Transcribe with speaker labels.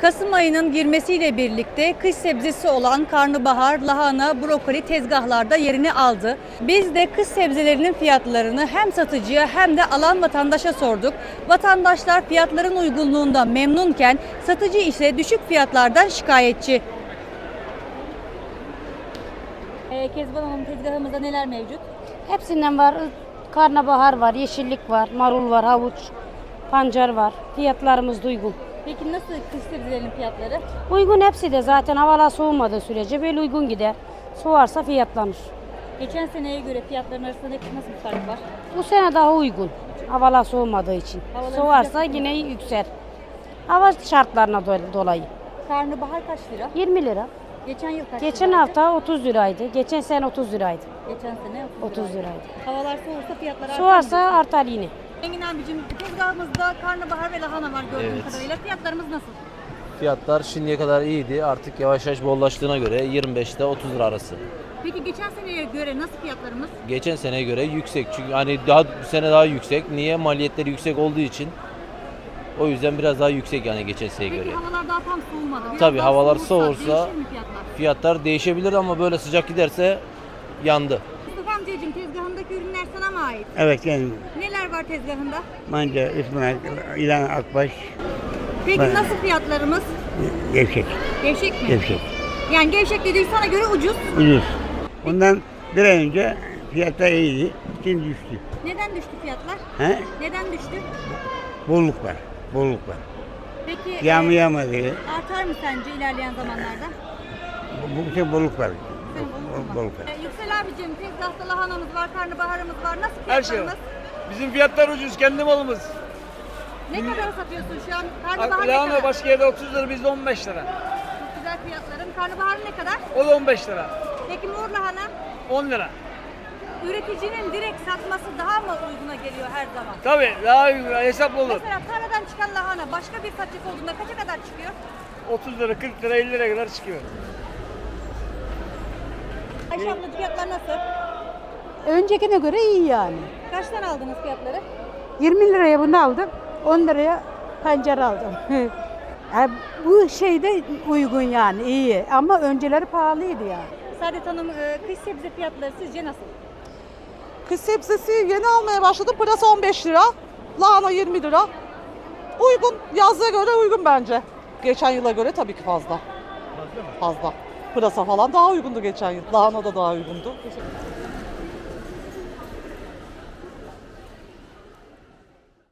Speaker 1: Kasım ayının girmesiyle birlikte kış sebzesi olan karnabahar, lahana, brokoli tezgahlarda yerini aldı. Biz de kış sebzelerinin fiyatlarını hem satıcıya hem de alan vatandaşa sorduk. Vatandaşlar fiyatların uygunluğundan memnunken satıcı ise düşük fiyatlardan şikayetçi. Kezban Hanım, tezgahımızda neler mevcut?
Speaker 2: Hepsinden var. Karnabahar var, yeşillik var, marul var, havuç, pancar var. Fiyatlarımız da uygun.
Speaker 1: Peki nasıl kış sebzelerinin fiyatları?
Speaker 2: Uygun hepsi de zaten havalar soğumadığı sürece böyle uygun gider. Soğarsa fiyatlanır.
Speaker 1: Geçen seneye göre fiyatların arasında nasıl bir fark var?
Speaker 2: Bu sene daha uygun. Havalar soğumadığı için.
Speaker 1: Havaların
Speaker 2: Soğarsa
Speaker 1: sıcak mı?
Speaker 2: yine yüksel. Hava şartlarına dolayı.
Speaker 1: Karnabahar kaç lira?
Speaker 2: 20 lira.
Speaker 1: Geçen yıl kaç
Speaker 2: Geçen
Speaker 1: liraydı?
Speaker 2: hafta 30 liraydı. Geçen sene 30 liraydı.
Speaker 1: Geçen sene
Speaker 2: 30 liraydı.
Speaker 1: Havalar soğursa fiyatlar artar.
Speaker 2: Soğarsa artar yine.
Speaker 1: Engin abicim, tezgahımızda karnabahar ve lahana var gördüğüm
Speaker 3: Evet.
Speaker 1: kadarıyla. Fiyatlarımız nasıl?
Speaker 3: Fiyatlar şimdiye kadar iyiydi. Artık yavaş yavaş bollaştığına göre 25 ile 30 lira arası.
Speaker 1: Peki geçen seneye göre nasıl fiyatlarımız?
Speaker 3: Geçen seneye göre yüksek. Çünkü hani bu sene daha yüksek. Niye? Maliyetleri yüksek olduğu için. O yüzden biraz daha yüksek yani geçen seneye
Speaker 1: Peki
Speaker 3: göre.
Speaker 1: havalar daha tam soğumadı. Biraz
Speaker 3: Tabii
Speaker 1: daha
Speaker 3: havalar
Speaker 1: değişir
Speaker 3: soğursa
Speaker 1: mi fiyatlar?
Speaker 3: fiyatlar değişebilir ama böyle sıcak giderse yandı.
Speaker 1: Mustafa amcacığım, tezgahındaki ürünler sana mı ait?
Speaker 4: Evet yani
Speaker 1: Neler var tezgahında?
Speaker 4: manca, ıspanak, ilan, akbaş,
Speaker 1: Peki
Speaker 4: Ben-
Speaker 1: nasıl fiyatlarımız?
Speaker 4: gevşek,
Speaker 1: Gevşek mi?
Speaker 4: gevşek,
Speaker 1: Yani gevşek dediği sana göre ucuz.
Speaker 4: ucuz. Bundan bir ay önce fiyatlar iyiydi, şimdi düştü.
Speaker 1: Neden düştü fiyatlar?
Speaker 4: He?
Speaker 1: Neden düştü?
Speaker 4: Bolluk var, bolluk var.
Speaker 1: Peki
Speaker 4: Yağmur
Speaker 1: e,
Speaker 4: yağmadı,
Speaker 1: artar mı sence ilerleyen zamanlarda?
Speaker 4: bu şey bolluk var.
Speaker 1: Senin bolluk mu?
Speaker 4: Bolluk var.
Speaker 1: Yüksel abicim, tezgahta lahanamız var, karnabaharımız var. Nasıl
Speaker 5: Her şey
Speaker 1: fiyatlarımız?
Speaker 5: var. Bizim fiyatlar ucuz, kendi malımız.
Speaker 1: Ne kadar satıyorsun şu an? Karnabahar ne
Speaker 5: Lahana
Speaker 1: kadar?
Speaker 5: başka yerde 30 lira, bizde 15 lira.
Speaker 1: Çok güzel fiyatların. Karnabahar ne kadar?
Speaker 5: O da 15 lira.
Speaker 1: Peki mor lahana?
Speaker 5: 10 lira.
Speaker 1: Üreticinin direkt satması daha mı uyguna geliyor her zaman?
Speaker 5: Tabii daha hesaplı olur.
Speaker 1: Mesela tarladan çıkan lahana başka bir satış olduğunda kaça kadar çıkıyor?
Speaker 5: 30 lira, 40 lira, 50 liraya kadar çıkıyor.
Speaker 1: Ayşe abla, fiyatlar nasıl?
Speaker 6: Öncekine göre iyi yani.
Speaker 1: Kaçtan aldınız fiyatları?
Speaker 6: 20 liraya bunu aldım, 10 liraya pancar aldım. Yani bu şeyde uygun yani iyi ama önceleri pahalıydı yani.
Speaker 1: Saadet Hanım, kış sebze fiyatları sizce nasıl?
Speaker 7: Kış sebzesi yeni almaya başladım. Pırasa 15 lira, lahana 20 lira. Uygun, yazlığa göre uygun bence. Geçen yıla göre tabii ki fazla. Fazla. Pırasa falan daha uygundu geçen yıl. Lahana da daha uygundu.